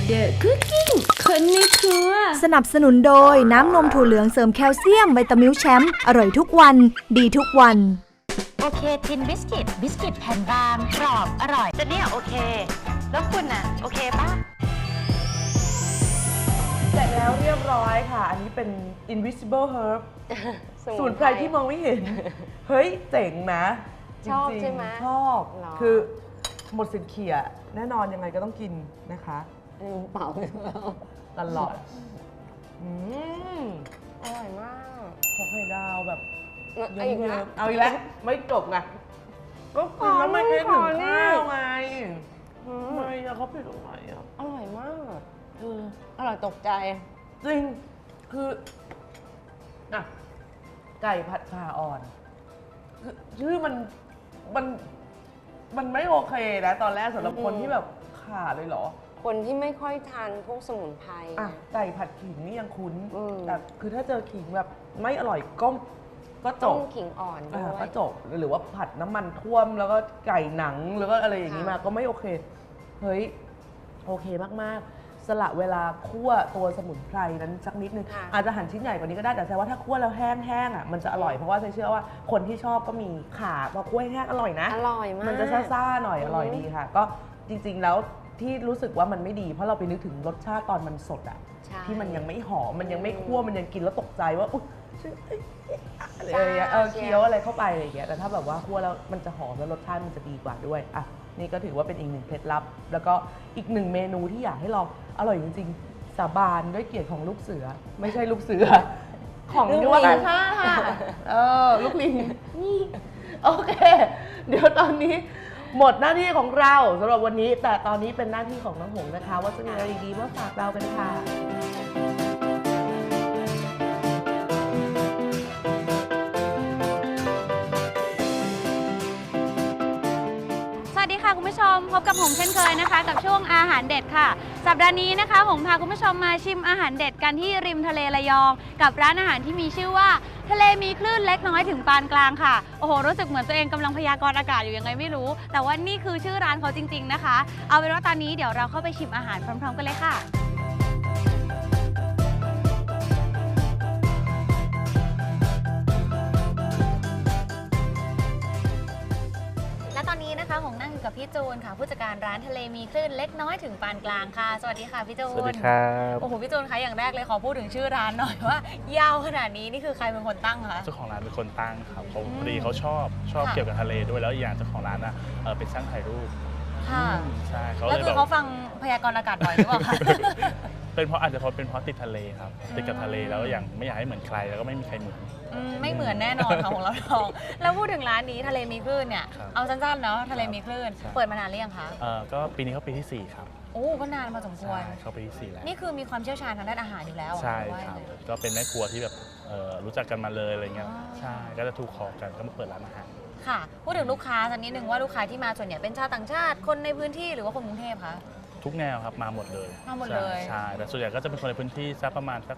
The Cooking คนในครัวสนับสนุนโดยน้ำนมถั่วเหลืองเสริมแคลเซียมไวตามิลแชมป์อร่อยทุกวันดีทุกวันโอเคทินบิสกิตแผ่นบางกรอบอร่อยแต่เนี่ยโอเคแล้วคุณน่ะโอเคปะเสร็จแล้วเรียบร้อยค่ะอันนี้เป็น invisible herb สมุนไพรที่มองไม่เห็นเฮ้ยเจ๋งนะชอบใช่ไหมชอบคือหมดสิทธิ์เขี่ยแน่นอนยังไงก็ต้องกินนะคะเปล่าตลอดอร่อยมากขอไข่ดาวแบบเยิ้มๆเอาอีกแล้วไม่จบไงก็กินแล้วไม่คิดถึงข้าวไงไม่อะเขาผิดตรงไหนอะอร่อยมากอร่อยตกใจจริงคืออะไก่ผัดข่าอ่อนคือชื่อมันไม่โอเคนะตอนแรกสำหรับคนที่แบบข่าเลยเหรอคนที่ไม่ค่อยทานพวกสมุนไพรไก่ผัดขิงนี่ยังคุ้นแต่คือถ้าเจอขิงแบบไม่อร่อยก็จบขิงอ่อนด้วยก็จบหรือว่าผัดน้ำมันท่วมแล้วก็ไก่หนังแล้วก็อะไรอย่างนี้มาก็ไม่โอเคเฮ้ยโอเคมากๆสละเวลาคั่วตัวสมุนไพรนั้นสักนิดนึงอาจจะหั่นชิ้นใหญ่กว่านี้ก็ได้แต่แสดงว่าถ้าคั่วแล้วแห้งๆอ่ะมันจะอร่อยเพราะว่าเชื่อว่าคนที่ชอบก็มีข่าพอคั่วแห้งอร่อยนะอร่อยมากมันจะซ่าๆหน่อยอร่อยดีค่ะก็จริงๆแล้วที่รู้สึกว่ามันไม่ดีเพราะเราไปนึกถึงรสชาติตอนมันสดอ่ะที่มันยังไม่หอมมันยังไม่คั่วมันยังกินแล้วตกใจว่าอุ๊ยอะไรอย่างเงี้ยเคี้ยวอะไรเข้าไปอะไรอย่างเงี้ยแต่ถ้าแบบว่าคั่วแล้วมันจะหอมแล้วรสชาติมันจะดีกว่าด้วยอ่ะนี่ก็ถือว่าเป็นอีกหนึ่งเคล็ดลับแล้วก็อีกหนึ่งเมนูที่อยากให้ลองอร่อยจริงๆสาบานด้วยเกียรติของลูกเสือไม่ใช่ลูกเสือของยุวกาชาติค่ะลูกลิงนี่โอเคเดี๋ยวตอนนี้หมดหน้าที่ของเราสำหรับวันนี้แต่ตอนนี้เป็นหน้าที่ของน้องหงนะคะว่าจะมีอะไรดีๆมาฝากเรากันค่ะสวัสดีค่ะคุณผู้ชมพบกับหงเช่นเคยนะคะกับช่วงอาหารเด็ดค่ะสัปดาห์นี้นะคะหงพาคุณผู้ชมมาชิมอาหารเด็ดกันที่ริมทะเลระยองกับร้านอาหารที่มีชื่อว่าทะเลมีคลื่นเล็กน้อยถึงปานกลางค่ะโอ้โหรู้สึกเหมือนตัวเองกำลังพยากรณ์อากาศอยู่ยังไงไม่รู้แต่ว่านี่คือชื่อร้านเขาจริงๆนะคะเอาเป็นว่าตอนนี้เดี๋ยวเราเข้าไปชิมอาหารพร้อมๆกันเลยค่ะและตอนนี้นะคะหงนั่งอยู่กับพี่จูนค่ะผู้จัดการร้านทะเลมีคลื่นเล็กน้อยถึงปานกลางค่ะสวัสดีค่ะพี่จูนสวัสดีครับโอ้โหพี่จูนคะอย่างแรกเลยขอพูดถึงชื่อร้านหน่อยว่ายาวขนาดนี้นี่คือใครเป็นคนตั้งคะเจ้าของร้านเป็นคนตั้งครับพอดีเขาชอบเกี่ยวกับทะเลด้วยแล้วอย่างเจ้าของร้านนะเป็นช่างถ่ายรูปค่ะใช่เขาเลยแล้วคือเขาฟังพยากรณ์อากาศบ่อยหรือเปล่าคะเป็นเพราะอาจจะเป็นเพราะติดทะเลครับติดกับทะเลแล้วอย่างไม่อยากให้เหมือนใครแล้วก็ไม่มีใครเหมือนไม่เหมือนแน่นอนค่ะของเราลองแล้วพูดถึงร้านนี้ทะเลมีคลื่นเนี่ยเอาสั้นๆเนาะทะเลมีคลื่นเปิดมานานหรือยังคะก็ปีนี้เขาปีที่4ครับโอ้ก็นานมาสมควรเขาปีที่4แล้วนี่คือมีความเชี่ยวชาญทางด้านอาหารอยู่แล้วใช่ครับก็เป็นแม่ครัวที่แบบรู้จักกันมาเลยอะไรเงี้ยใช่ก็จะถูกคอกันก็มาเปิดร้านอาหารค่ะพูดถึงลูกค้าสักนิดนึงว่าลูกค้าที่มาส่วนใหญ่เป็นชาวต่างชาติคนในพื้นที่หรือว่าคนกรุงเทพคะทุกแนวครับมาหมดเลยใช่แต่ส่วนใหญ่ก็จะเป็นคนในพื้นที่สักประมาณสัก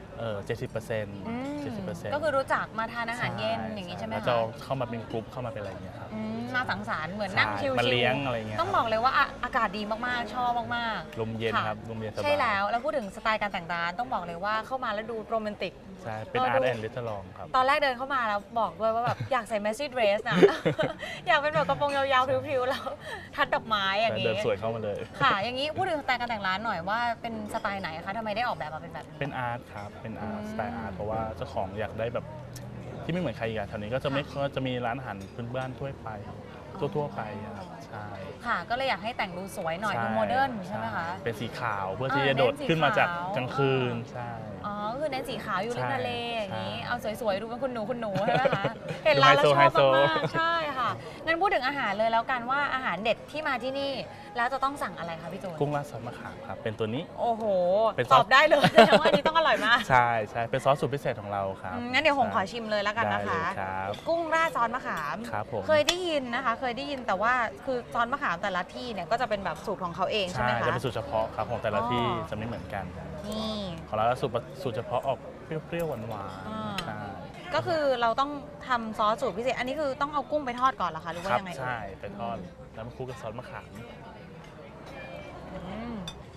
70% ก็คือรู้จักมาทานอาหารเย็นอย่างนี้ใช่ไหมคะจะเข้ามาเป็นกลุ่มเข้ามาเป็นอะไรอย่างเงี้ยครับมาสังสรรค์เหมือนนั่งชิลๆมาเลี้ยงอะไรเงี้ยต้องบอกเลยว่าอากาศดีมากๆชอบมากๆลมเย็นครับลมเย็นสบายใช่แล้วพูดถึงสไตล์การแต่งร้านต้องบอกเลยว่าเข้ามาแล้วดูโรแมนติกใช่เป็นอาร์ตแอนด์รีสอร์ทครับตอนแรกเดินเข้ามาแล้วบอกด้วยว่าแบบอยากใส่แมสซี่เดรสนะอยากเป็นแบบกระโปรงยาวๆพริ้วๆแล้วทัดดอกไม้อย่างนี้เดินสวยเข้ามาเลยค่ะอย่างนี้พูดถึงสไตล์การแต่งร้านหน่อยว่าเป็นสไตล์ไหนคะทำไมได้ออกแบบมาเป็นแบบนี้เป็นอาร์ตครับเป็นอาร์ตสไตล์อาร์ตเพราะว่าเจ้าของอยากได้แบบที่ไม่เหมือนใครอีกแถวนี้ก็จะมีร้านอาหารพื้นบ้านทั่วไปครับใช่ค่ะก็เลยอยากให้แต่งดูสวยหน่อยดูโมเดิร์นใช่ไหมคะเป็นสีขาวเพื่อที่จะโดดขึ้นมาจากกลางคืนใช่อ๋อคือเน้นสีขาวอยู่ริมทะเลอย่างนี้เอาสวยๆดูเป็นคุณหนูใช่ไหมคะเห็นร้านแล้วชอบมากๆใช่ค่ะงั้นพูดถึงอาหารเลยแล้วกันว่าอาหารเด็ดที่มาที่นี่แล้วจะต้องสั่งอะไรคะพี่จูนกุ้งราดซอสมะขามครับเป็นตัวนี้โอ้โหตอบได้เลยแสดงว่าอันนี้ต้องอร่อยมากใช่เป็นซอสสูตรพิเศษของเราครับงั้นเดี๋ยวผมขอชิมเลยแล้วกันนะคะกุ้งราดซอสมะขามเคยได้ยินนะคะเคยได้ยินแต่ว่าคือซอสมะขามแต่ละที่เนี่ยก็จะเป็นแบบสูตรของเขาเองใช่ไหมคะจะเป็นสูตรเฉพาะครับของแต่ละที่จะไม่เหมือนกันนี่ของเราสูตรเฉพาะออกเปรี้ยวๆหวานๆใช่ก็คือเราต้องทำซอสสูตรพิเศษอันนี้คือต้องเอากุ้งไปทอดก่อนเหรอคะหรือว่ายังไงใช่ไปทอดแล้วมาคลุกกับซอสมะขาม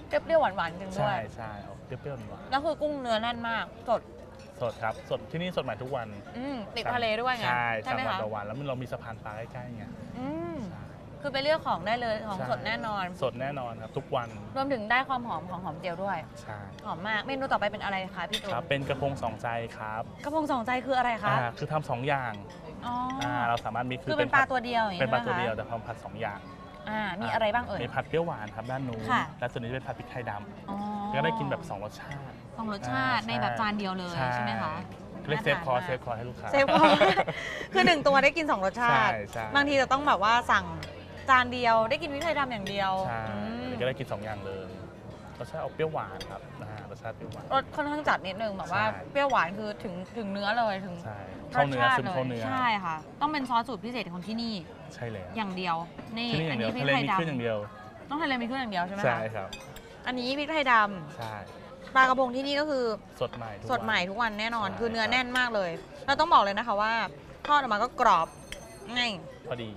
เปรี้ยวๆหวานๆจริงด้วใช่ยใช่เอาเปรี้ยวๆหวานแล้วคือกุ้งเนื้อแน่นมากสดสดครับสดที่นี่สดใหม่ทุกวันติดทะเลด้วยไงใช่ไหม 3 วันคะต่อวันแล้วเรามีสะพานปลาใกล้ๆไงอืมใช่คือไปเลือกของได้เลยของใช่สดแน่นอนสดแน่นอนครับทุกวันรวมถึงได้ความหอมของหอมเจียวด้วยใช่หอมมากเมนูต่อไปเป็นอะไรคะพี่ตูนครับเป็นกระพงสองใจครับกระพงสองใจคืออะไรคะคือทำสองอย่างอ๋ออเราสามารถมีคือเป็นปลาตัวเดียวอย่างเป็นปลาใช่ตัวไหมคะเดียวแต่ทำผัด2 อย่างมีอะไรบ้างเอ่ยมีผัดเปรี้ยวหวานครับด้านนู้นค่ะและส่วนนี้เป็นผัดพริกไทยดอ๋อำก็ได้กินแบบ2 รสชาติสองรสชาติในแบบจานเดียวเลยใช่ไหมคะเรียกเซฟคอร์สน่าเซทานมากฟคอร์สให้ลูกค้าเซฟพอ คือหนึ่งตัวได้กิน2รสชาติใช่บางทีจะต้องแบบว่าสั่งจานเดียวได้กินพริกไทยดำอย่างเดียวใช่อืมก็ได้กิน2 อย่างเลยรสชาติออกเปรี้ยวหวานครับรสชาติเปรี้ยวหวานรสค่อนข้างจัดนิดนึงแบบว่าใช่เปรี้ยวหวานคือถึงเนื้อเลยถึงใช่รเข้าสเนื้อชาติซึมเลเข้าย เนื้อใช่ค่ะ ต้องเป็นซอสสูตรพิเศษของที่นี่ใช่เลยอย่างเดียวนี่ที่นี่ออัย่าน งเดียวนี้พริทะกเลไทยมีดขึ้นอย่างเดียวำต้องทะเลมีเครื่องอย่างเดียวใช่ไหมคะใช่ครับอันนี้พริกไทยดใช่ำปลากระพงที่นี่ก็คือสดใหม่ทุกสดใหม่วันทุกวันแน่นอนใช่คือเนื้อครับแน่นมากเลยเราต้องบอกเลยนะคะว่าทอดออกมาก็กรอบง่ายพอดี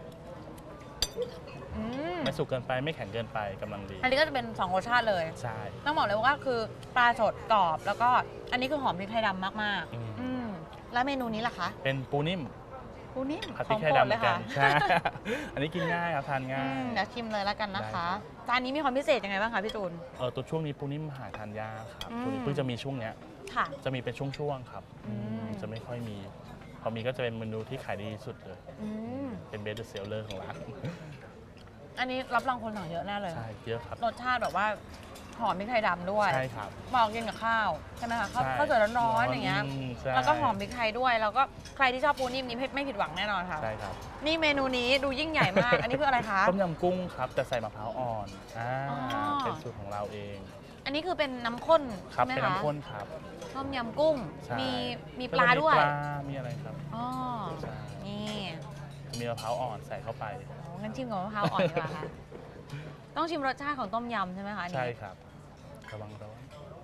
อืมไม่สุกเกินไปไม่แข็งเกินไปกำลังดีอันนี้ก็จะเป็น2รสชาติเลยใช่ต้องบอกเลยว่าคือปลาสดกรอบ แล้วก็อันนี้คือหอมพริกไทยดำมากอืมๆแล้วเมนูนี้ล่ะคะเป็นปูนิ่มปูนิ่มผัดขพริอก งไทยโปรดดำเหเลมือย นกัค่ะนใช่ อันนี้กินง่ายครับทานง่ายเดี๋ยวชิมเลยแล้วกันนะคะได้จานนี้มีความพิเศษยังไงบ้างคะพี่จูนตัวช่วงนี้ปูนิ่มหาทานยากครับอืมตัวนี้เพิ่งจะมีช่วงเนี้ยค่ะจะมีเป็นช่วงๆครับอืมจะไม่ค่อยมี พอมีก็จะเป็นเมนูที่ขายดีที่สุดเลยอืมเป็นเบสเซลเลอร์ของร้านอันนี้รับรองคนสั่งเยอะแน่เลยใช่เยอะครับรสชาติแบบว่าหอมพริกไทยดำด้วยใช่ครับเหมาะกินกับข้าวใช่ไหมคะข้าวใช่ข้าวสวยร้อนๆอย่างเงี้ยใช่แล้วก็หอมพริกไทยด้วย แล้วก็ใครที่ชอบปูนิ่มนี้ไม่ผิดหวังแน่นอนค่ะใช่ครับนี่เมนูนี้ดูยิ่งใหญ่มาก อันนี้คืออะไรคะต้มยำกุ้งครับแต่ใส่มะพร้าวอ่อนอ๋อเป็นสูตรของเราเองอันนี้คือเป็นน้ำข้นครับใช่ไหมเป็นคะน้ำข้นครับต้มยำกุ้งใช่มีปลาด้วยแล้ก็มีปลา มีอะไรครับอ๋อใช่นี่มีมะพร้าวอ่อนใส่เข้าไปโอ้งั้นชิมกับมะพร้าวอ่อนดีกว่าค่ะ ต้องชิมรสชาติของต้มยำใช่ไหมคะอันนี้ใช่ครับระวังร้อน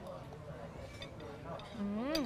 อืม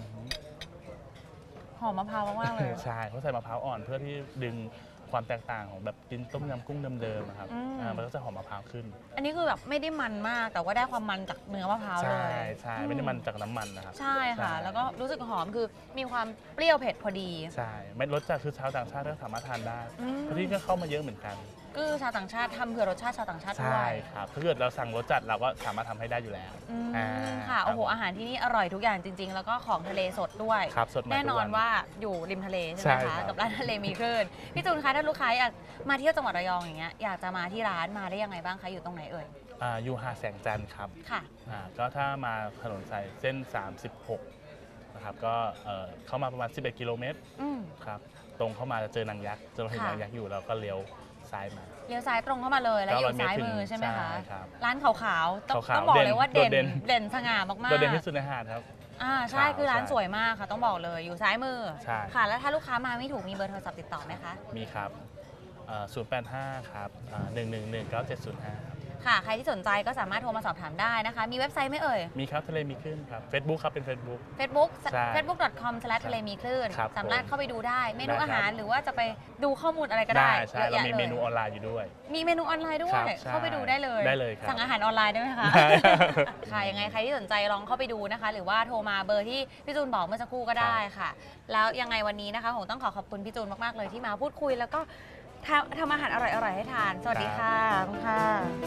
หอมมะพร้าวมากๆเลยใช่เขาใส่มะพร้าวอ่อนเพื่อที่ดึงความแตกต่างของแบบกินต้มยำกุ้งเดิมๆนะครับอืมมันก็จะหอมมะพร้าวขึ้นอันนี้คือแบบไม่ได้มันมาก แต่ว่าได้ความมันจากเนื้อมะพร้าวเลใช่ยใช่ไม่ได้มันจากน้ำมันนะครับใช่ค่ะใช่แล้วก็รู้สึกหอมคือมีความเปรี้ยวเผ็ดพอดีใช่ไม่รสจัดคือชาวต่างชาติก็สามารถทานได้อืมเพราะที่ก็เข้ามาเยอะเหมือนกันก็คือชาวต่างชาติทำเผื่อรสชาติชาวต่างชาติด้ใช่วยครับถ้าเกิดเราสั่งรสจัดเราก็สามารถทำให้ได้อยู่แล้วอืมอ่าค่ะ โอ้โหครับอาหารที่นี่อร่อยทุกอย่างจริง ๆ แล้วก็ของทะเลสดด้วยครับสดใหม่แน่นอนทุกวันว่าอยู่ริมทะเลใช่ไหมใช่ครัคะบกับร้านทะเลมีคลื่นพี่จูนคะถ้าลูกค้าอยากมาเที่ยวจังหวัดระยองอย่างเงี้ยอยากจะมาที่ร้านมาได้ยังไงบ้างคะอยู่ตรงไหนเอ่ยอยู่หาดแสงจันทร์ครับค่ะก็ถ้ามาถนนสายเส้น 36 นะครับ ก็เข้ามาประมาณ 11 กิโลเมตรอืมครับ ตรงเข้ามาจะเจอนางยักษ์เจอเห็นค่ะนางยักษ์อยู่เราก็เลี้ยวซ้ายมาเลี้ยวซ้ายตรงเข้ามาเลยแล้วอยู่ 900 ซ้ายมือเมตรถึงใช่ไหมคะใช่ครับร้านขาวๆต้องขาวๆต้องบอกเลยว่าเด่นเด่นสง่ามากๆโดดเด่นที่สุดในหาดครับใช่ขาวคือร้านใช่สวยมากค่ะ ต้องบอกเลยอยู่ซ้ายมือใช่ค่ะ แล้วถ้าลูกค้ามาไม่ถูกมีเบอร์โทรศัพท์ติดต่อไหมคะมีครับ 085 ครับ 1119705 ครับค่ะ ใครที่สนใจก็สามารถโทรมาสอบถามได้นะคะ มีเว็บไซต์ไหมเอ่ยมีครับทะเลมีขึ้นครับ Facebook ครับเป็น Facebook Facebook ใช่ facebook.com ทะเลมีคลื่นครับสามารถเข้าไปดูได้เมนูได้ครับอาหารหรือว่าจะไปดูข้อมูลอะไรก็ได้ใช่เยอะเราแยะมีเลเมยนูออนไลน์อยู่ด้วยมีเมนูออนไลน์ด้วครัยบใช่เข้าไปดูได้เลยได้เลยครับสั่งอาหารออนไลน์ได้ไหมคะได้ค่ะยังไงใครที่สนใจลองเข้าไปดูนะคะ หรือว่าโทรมาเบอร์ที่พี่จูนบอกเมื่อสักครู่ก็ได้ค่ะ แล้วยังไงวันนี้นะคะผมต้องขอบคุณพี่จูนมากๆเลยที่มาพูดคุย แล้วก็ทำอาหารอร่อยๆให้ทาน สวัสดีค่ะขอบคุณค่ะ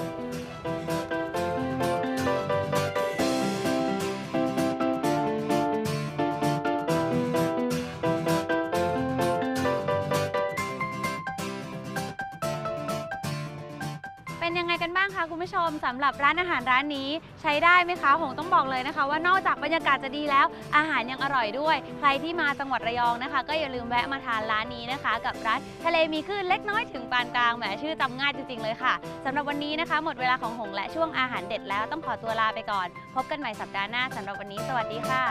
เป็นยังไงกันบ้างคะคุณผู้ชมสำหรับร้านอาหารร้านนี้ใช้ได้ไหมคะผมต้องบอกเลยนะคะ ว่านอกจากบรรยากาศจะดีแล้ว อาหารยังอร่อยด้วย ใครที่มาจังหวัดระยองนะคะ ก็อย่าลืมแวะมาทานร้านนี้นะคะ กับร้านทะเลมีคลื่นเล็กน้อยถึงปานกลางแหมชื่อจำง่ายจริงๆเลยค่ะสำหรับวันนี้นะคะ หมดเวลาของหงและช่วงอาหารเด็ดแล้วต้องขอตัวลาไปก่อน พบกันใหม่สัปดาห์หน้าสำหรับวันนี้สวัสดีค่ะ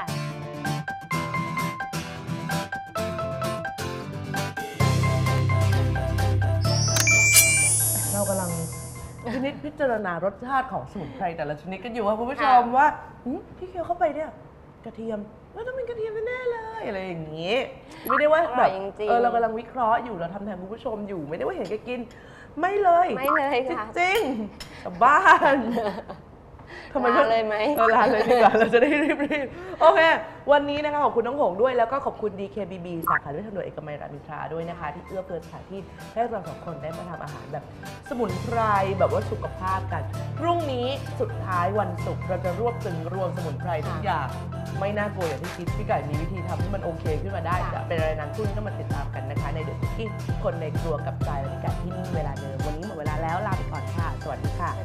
เรากำลังพิจารณารสชาติของสมุนไพรแต่ละชนิดกันอยู่ค่ะคุณผู้ชมค่ะว่าที่เคี้ยวเข้าไปเนี่ยกระเทียมต้องเป็นกระเทียมแน่ๆเลยอะไรอย่างนี้ ไม่ได้ว่าแบบอร่อยจริงๆเรากำลังวิเคราะห์อยู่เราทำแทนคุณผู้ชมอยู่ไม่ได้ว่าเห็นแกกิน ไม่เลยไม่เลยค่ะจริงๆชาวบ้านทำไมลาเลยไหมลาเลยดีกว่า เราจะได้รีบๆโอเค วันนี้นะคะขอบคุณน้องหงด้วยแล้วก็ขอบคุณ DKBB สาขาด้วยทางด่วนเอกมัยรามอินทราด้วยนะคะ ที่เอื้อเฟื้อสถานที่ให้เราสองคนได้มาทำอาหารแบบสมุนไพรแบบว่าสุขภาพกัน พรุ่งนี้สุดท้ายวันศุกร์เราจะรวบตึงรวมสมุนไพรทุกอย่างไม่น่ากลัวอย่างที่คิดพี่ไก่มีวิธีทำให้มันโอเคขึ้นมาได้จะเป็นอะไรนั้นพรุ่งนี้ต้องมาติดตามกันนะคะในเดอะคุกกิ้งคนในครัวกับใจและพี่ไก่ที่นี่เวลาเดิมวันนี้หมดเวลาแล้วลาไปก่อนค่ะ สวัสดีค่ะ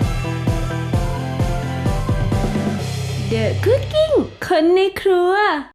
The Cooking คนในครัว